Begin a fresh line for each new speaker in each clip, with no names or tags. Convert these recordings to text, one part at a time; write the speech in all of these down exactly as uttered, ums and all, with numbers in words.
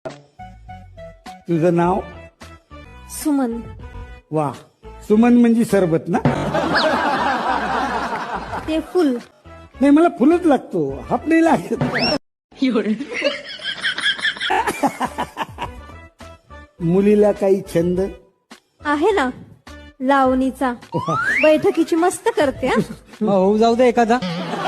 तुझं नाव?
सुमन.
वा, सुमन म्हणजे सरबत ना?
ते फुल.
नाही, मला फुलच लागतो, हाप नाही लागत. मुलीला काही छंद
आहे ना, लावणीचा. बैठकीची मस्त करते हा.
मग होऊ जाऊ दे एखादा.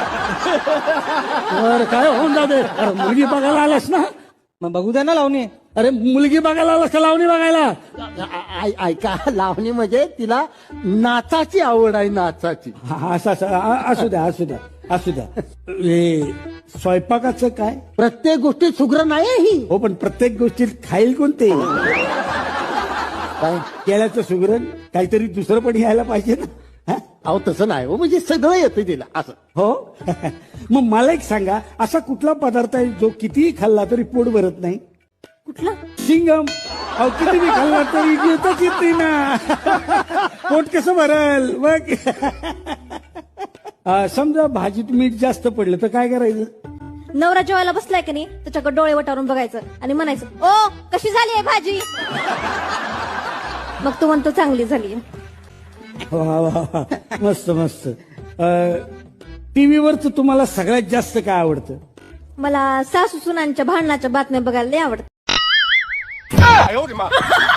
बर, काय होऊन जाते. अरे मुलगी बघायला आलास ना?
मग बघू दे ना लावणी.
अरे मुलगी बघायला आलास का लावणी बघायला?
आ- आ- ऐका, लावणी म्हणजे तिला नाचाची आवड आहे, नाचाची.
हा, असं असं आ- असू द्या असू द्या असू द्या. हे स्वयंपाकाचं काय?
प्रत्येक गोष्टीत सुग्र नाही आहे ही.
हो, पण प्रत्येक गोष्टीत खाईल कोणते?
काय?
केळ्याचं सुगरण, काहीतरी दुसरं पण यायला पाहिजे ना. हा?
अहो तसं नाही हो, म्हणजे सगळं येतं तिला असं.
हो. मग मला एक सांगा, असा कुठला पदार्थ आहे जो कितीही खाल्ला तरी पोट भरत नाही?
कुठला?
सिंगम. अहो किती बी खाल्ला तरी येतच येत नाही ना. पोट कसं भरल बघ. अं, समजा भाजीत मीठ जास्त पडलं तर काय करायचं?
नवरा जेवायला बसलाय की नाही, त्याच्याकडे डोळे वटारून बघायचं आणि म्हणायचं, ओ कशी झाली आहे भाजी? मग तो म्हणतो चांगली झाली.
वा वा वा, मस्त मस्त. टीव्हीवरच तुम्हाला सगळ्यात जास्त काय आवडतं?
मला सासू सुनांच्या भांडणाच्या बातम्या बघायला लय आवडतं.